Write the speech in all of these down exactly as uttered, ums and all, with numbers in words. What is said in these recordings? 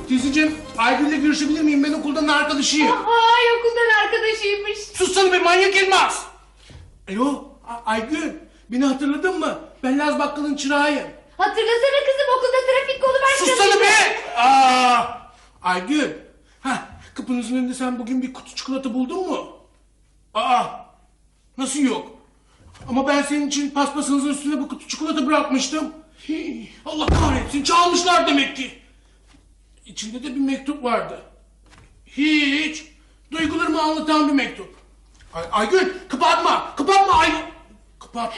Teyzeciğim, Aygül'le görüşebilir miyim? Ben okuldan arkadaşıyım. Ay, okuldan arkadaşıymış. Sussana be manyak Elmas! Alo, A- Aygül, beni hatırladın mı? Ben Laz Bakkal'ın çırağıyım. Hatırlasana kızım, okulda trafik kolu başladı. Sussana be! Aa, Aygül, heh, kapınızın önünde sen bugün bir kutu çikolata buldun mu? Aa, nasıl yok? Ama ben senin için paspasınızın üstüne bu kutu çikolata bırakmıştım. Hii, Allah kahretsin, çalmışlar demek ki. İçinde de bir mektup vardı. Hiç. Duygularımı anlatan bir mektup. Ay, Aygül, kapatma, kapatma Aygül. Kapattı.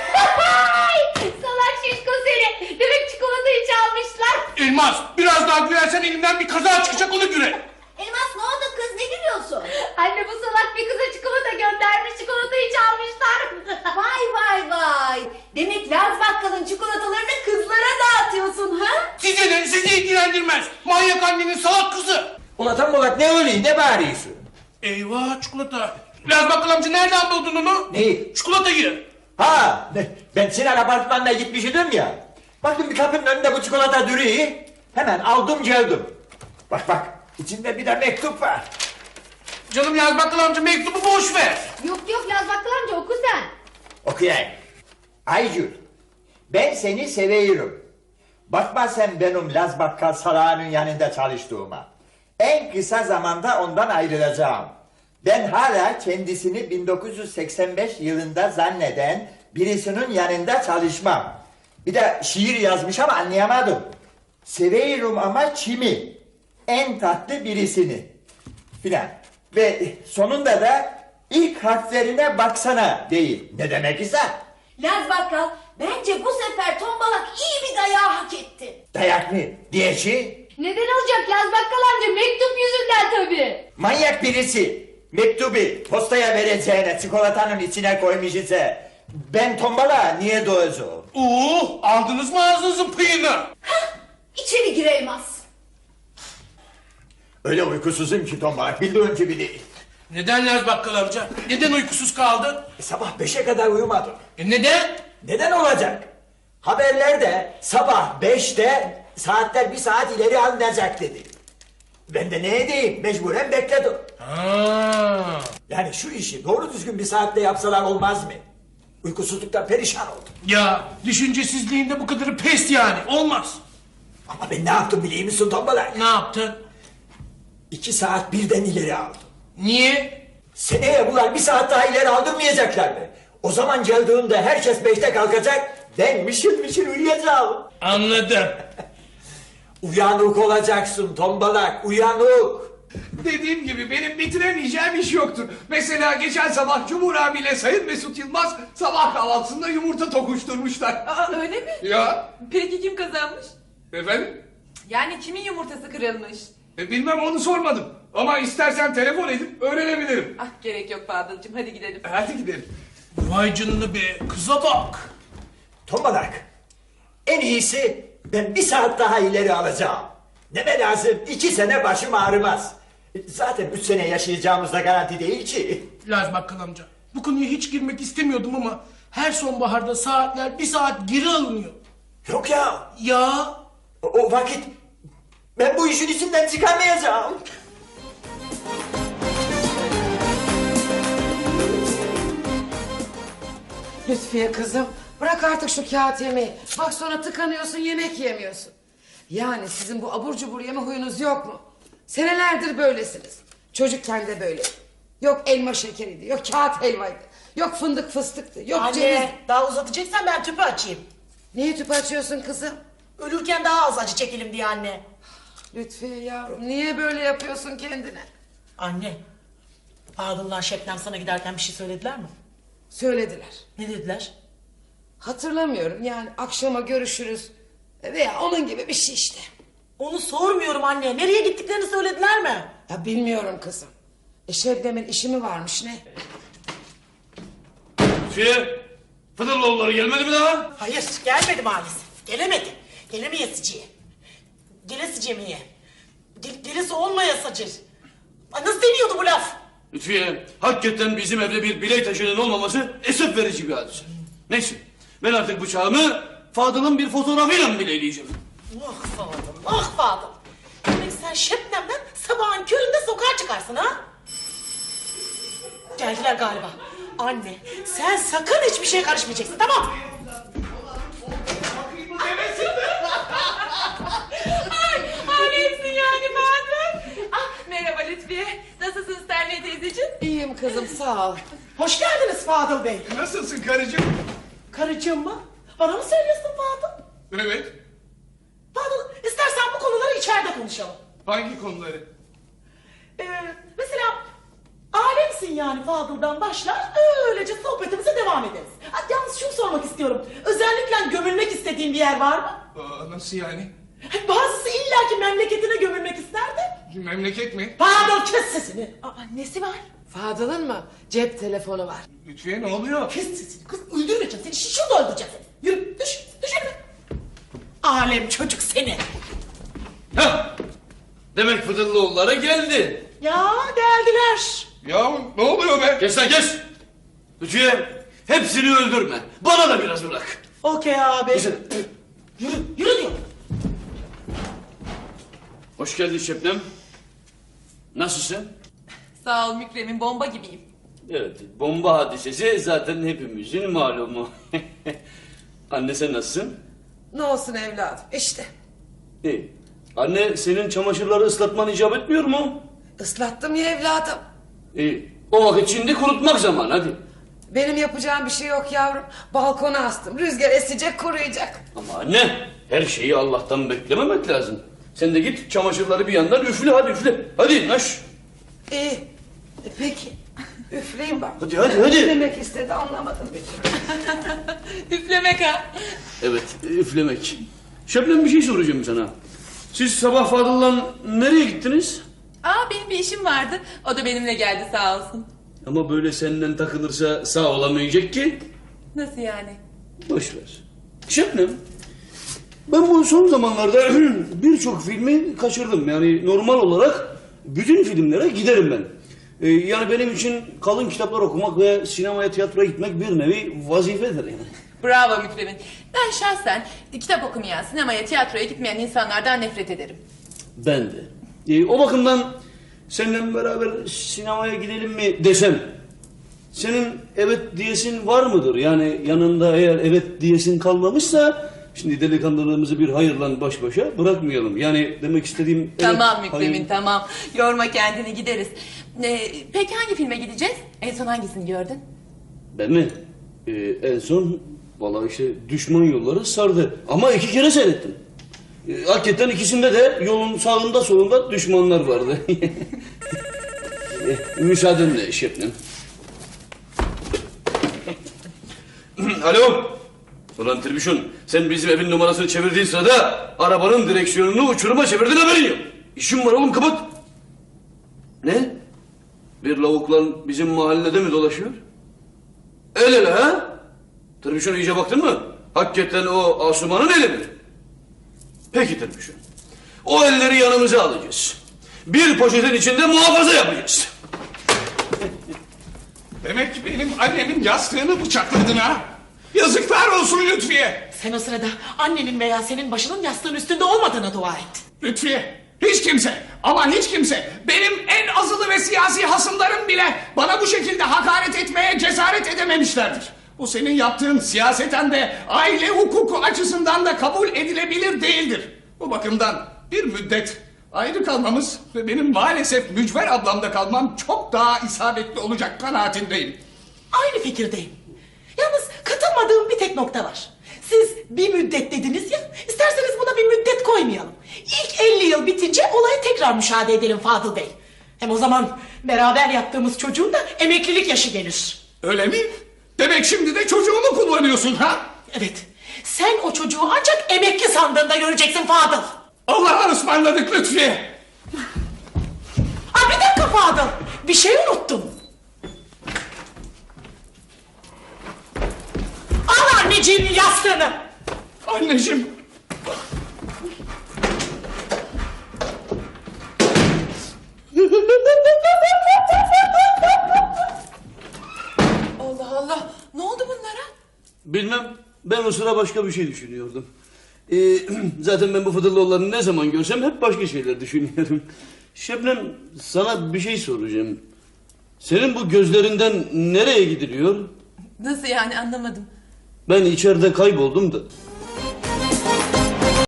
Salak şişko seni. Demek çikolatayı çalmışlar. Elmas, biraz daha gülersen elimden bir kaza çıkacak, onu güle. Elmas ne oldu kız, ne gülüyorsun? Anne, bu salak bir kıza çikolata göndermiş. Çikolatayı çalmışlar. Vay vay vay. Demek Laz Bakkal'ın çikolatalarını kızlara dağıtıyorsun ha? Size de, sizi ilgilendirmez. Manyak annenin salak kızı. Ulan tam olarak ne oluyor, ne bağırıyorsun? Eyvah, çikolata. Laz Bakkal amca nereden buldun onu? Neyi? Çikolatayı. Ha, ne- ben Sinan apartmanına gitmiştim ya. Baktım bir kapının önünde bu çikolata duruyor. Hemen aldım geldim. Bak bak, içinde bir de mektup var. Canım Laz Bakkal amca, mektubu boş ver. Yok yok, Laz Bakkal amca oku sen. Okuyayım. Aycül, ben seni seviyorum. Bakma sen benim Laz Bakkal salağının yanında çalıştığıma. En kısa zamanda ondan ayrılacağım. Ben hala kendisini bin dokuz yüz seksen beş yılında zanneden birisinin yanında çalışmam. Bir de şiir yazmış ama anlayamadım. Seviyorum ama kimi? En tatlı birisini. Filan. Ve sonunda da ilk harflerine baksana değil. Ne demek ise? Laz Bakkal bence bu sefer tombalak iyi bir dayağı hak etti. Dayak mı? Diyeci? Neden olacak Laz Bakkal amca? Mektup yüzünden tabii. Manyak birisi. Mektubu postaya vereceğine çikolatanın içine koymuş ise ben tombala niye doğacağım? Oo, aldınız mı ağzınızın pıyını? Hah, içeri gir Elmas. Öyle uykusuzum ki tombala, bildiğin gibi değil. Neden Laz Bakkal amca? Neden uykusuz kaldın? E, sabah beşe kadar uyumadım. E neden? Neden olacak? Haberlerde sabah beşte saatler bir saat ileri alınacak dedi. Ben de ne edeyim, mecburen bekledim. Ha. Yani şu işi doğru düzgün bir saatte yapsalar olmaz mı? Uykusuzluktan perişan oldum. Ya düşüncesizliğinde bu kadarı pes yani, olmaz. Ama ben ne yaptım biliyor musun tombala? Ne yaptın? İki saat birden ileri aldım. Niye? Seneye bunlar bir saat daha ileri aldırmayacaklar mı? O zaman geldiğinde herkes beşte kalkacak, ben mışıl mışıl uyuyacağım. Anladım. Uyanık olacaksın tombalak, uyanık. Dediğim gibi benim bitiremeyeceğim iş yoktur. Mesela geçen sabah Cumhur abiyle Sayın Mesut Yılmaz sabah kahvaltısında yumurta tokuşturmuşlar. Aa, öyle mi? Ya Peki kim kazanmış? efendim? Yani kimin yumurtası kırılmış? E, bilmem, onu sormadım. Ama istersen telefon edip öğrenebilirim. Ah, gerek yok Fadıl'cığım, hadi gidelim. Hadi gidelim. Vay canına be, kıza bak. Tombalak, en iyisi ben bir saat daha ileri alacağım. Neme lazım, iki sene başım ağrımaz. Zaten üç sene yaşayacağımız da garanti değil ki. Laz Bakkal amca, bu konuya hiç girmek istemiyordum ama her sonbaharda saatler bir saat geri alınıyor. Yok ya, Ya o, o vakit ben bu işin içinden çıkamayacağım. Lütfiye kızım, bırak artık şu kağıt yemeği. Bak sonra tıkanıyorsun, yemek yemiyorsun. Yani sizin bu abur cubur yeme huyunuz yok mu? Senelerdir böylesiniz. Çocukken de böyle. Yok elma şekeriydi, yok kağıt helvaydı. Yok fındık fıstıktı, yok ceviz. Anne, daha uzatacaksan ben tüpü açayım. Niye tüp açıyorsun kızım? Ölürken daha az acı çekelim diye anne. Lütfiye yavrum, niye böyle yapıyorsun kendine? Anne, Fadıl'la Şebnem sana giderken bir şey söylediler mi? Söylediler. Ne dediler? Hatırlamıyorum, yani akşama görüşürüz veya onun gibi bir şey işte. Onu sormuyorum anne. Nereye gittiklerini söylediler mi? Ya bilmiyorum kızım. E Şebnem'in işi mi varmış ne? Şey, Fıdırlıoğulları gelmedi mi daha? Hayır, gelmedi maalesef. Gelemedi. Gelemeyesiciye. Gelesiciye miye? Gel, gelesi olmayasacır. Ay, nasıl deniyordu bu laf? Lütfiye, hakikaten bizim evde bir bilek taşının olmaması esef verici bir hadise. Neyse, ben artık bıçağımı Fadıl'ın bir fotoğrafıyla mı bileleyeceğim? Ah Fadıl, ah Fadıl. Demek sen Şebnem'den sabahın köründe sokağa çıkarsın ha? Geldiler galiba. Anne sen sakın hiçbir şeye karışmayacaksın, tamam mı? Ay, alemsin yani Bahadır. Ah, merhaba Lütfiye. Nasılsın Sterling teyzeciğim? İyiyim kızım sağ ol. Hoş geldiniz Fadıl Bey. Nasılsın karıcığım? Karıcığım mı? Bana mı söylüyorsun Fadıl? Evet. Fadıl istersen bu konuları içeride konuşalım. Hangi konuları? Ee, mesela alemsin yani Fadıl'dan başlar öylece sohbetimize devam ederiz. Ha, yalnız şunu sormak istiyorum. Özellikle gömülmek istediğin bir yer var mı? Aa, nasıl yani? Ha, bazısı illaki memleketine gömülmek ister de. Memleket mi? Fadıl kes sesini. Aa, nesi var? Fadıl'ın mı? Cep telefonu var. Lütfiye ne oluyor? Kes sesini kız, öldürmeyeceğim seni, şurada öldüreceğim seni. Yürü düş düş önüme. Alem çocuk seni. Hah! Demek Fıdıllıoğulları geldi. Ya geldiler. Ya ne oluyor be? Kes lan kes! Lütfiye hepsini öldürme. Bana da biraz bırak. Okey abi. Güzel. Yürü yürü diyorum. Hoş geldin Şebnem. Nasılsın? Sağ ol Mükrem'in, bomba gibiyim. Evet, bomba hadisesi zaten hepimizin malumu. Anne sen nasılsın? Ne olsun evladım işte. İyi. Anne senin çamaşırları ıslatman icap etmiyor mu? Islattım ya evladım. İyi. O vakit şimdi kurutmak zamanı hadi. Benim yapacağım bir şey yok yavrum. Balkona astım. Rüzgar esecek kuruyacak. Ama anne her şeyi Allah'tan beklememek lazım. Sen de git çamaşırları bir yandan üfle hadi üfle. Hadi naş. İyi. E, peki. Üfleyin bak. Hadi hadi hadi. Ne demek istedi anlamadım. Üflemek ha. Evet üflemek. Şebnem bir şey soracağım sana. Siz sabah Fadıl'la nereye gittiniz? Aa, benim bir işim vardı. O da benimle geldi sağ olsun. Ama böyle senden takılırsa sağ olamayacak ki. Nasıl yani? Boş ver. Şebnem, ben bu son zamanlarda birçok filmi kaçırdım. Yani normal olarak bütün filmlere giderim ben. Ee, yani benim için kalın kitaplar okumak ve sinemaya, tiyatroya gitmek bir nevi vazifedir yani. Bravo Mükrem'in. Ben şahsen kitap okumayan, sinemaya, tiyatroya gitmeyen insanlardan nefret ederim. Ben de. Ee, o bakımdan seninle beraber sinemaya gidelim mi desem, senin evet diyesin var mıdır? Yani yanında eğer evet diyesin kalmamışsa, şimdi delikanlılığımızı bir hayırla baş başa bırakmayalım. Yani demek istediğim... Evet, Tamam Mükrem'in hayır. tamam. Yorma kendini, gideriz. Ee, peki hangi filme gideceğiz? En son hangisini gördün? Ben mi? Ee, en son vallahi işte Düşman Yolları sardı. Ama iki kere seyrettim. Ee, hakikaten ikisinde de yolun sağında solunda düşmanlar vardı. ee, müsaadenle Şebnem. Alo. Ulan Tribüşon, sen bizim evin numarasını çevirdiğin sırada arabanın direksiyonunu uçuruma çevirdin, haberin yok. İşim var oğlum, kapat. Ne? Bir lavukla bizim mahallede mi dolaşıyor? El ele ha? Tribüşon iyice baktın mı? Hakikaten o Asuman'ın eli mi? Peki Tribüşon. O elleri yanımıza alacağız. Bir poşetin içinde muhafaza yapacağız. Demek ki benim annemin yastığını bıçakladın ha? Yazıklar olsun Lütfiye. Sen o sırada annenin veya senin başının yastığın üstünde olmadığına dua et. Lütfiye, hiç kimse ama hiç kimse benim en azılı ve siyasi hasımlarım bile bana bu şekilde hakaret etmeye cesaret edememişlerdir. Bu senin yaptığın siyaseten de aile hukuku açısından da kabul edilebilir değildir. Bu bakımdan bir müddet ayrı kalmamız ve benim maalesef Mücver ablamda kalmam çok daha isabetli olacak kanaatindeyim. Aynı fikirdeyim. Yalnız katılmadığım bir tek nokta var. Siz bir müddet dediniz ya, isterseniz buna bir müddet koymayalım. İlk elli yıl bitince olayı tekrar müşahede edelim Fadıl Bey. Hem o zaman beraber yaptığımız çocuğun da emeklilik yaşı gelir. Öyle mi? Demek şimdi de çocuğumu kullanıyorsun ha? Evet, sen o çocuğu ancak emekli sandığında göreceksin Fadıl. Allah'a ısmarladık Lütfiye. Aa, bir dakika Fadıl, bir şey unuttum. Al anneciğimin yastığını. Anneciğim. Allah Allah, ne oldu bunlara? Bilmem, ben o sıra başka bir şey düşünüyordum. Ee, zaten ben bu Fıdırlıoğullarını ne zaman görsem hep başka şeyler düşünüyorum. Şebnem, sana bir şey soracağım. Senin bu gözlerinden nereye gidiliyor? Nasıl yani, anlamadım. Ben içeride kayboldum da.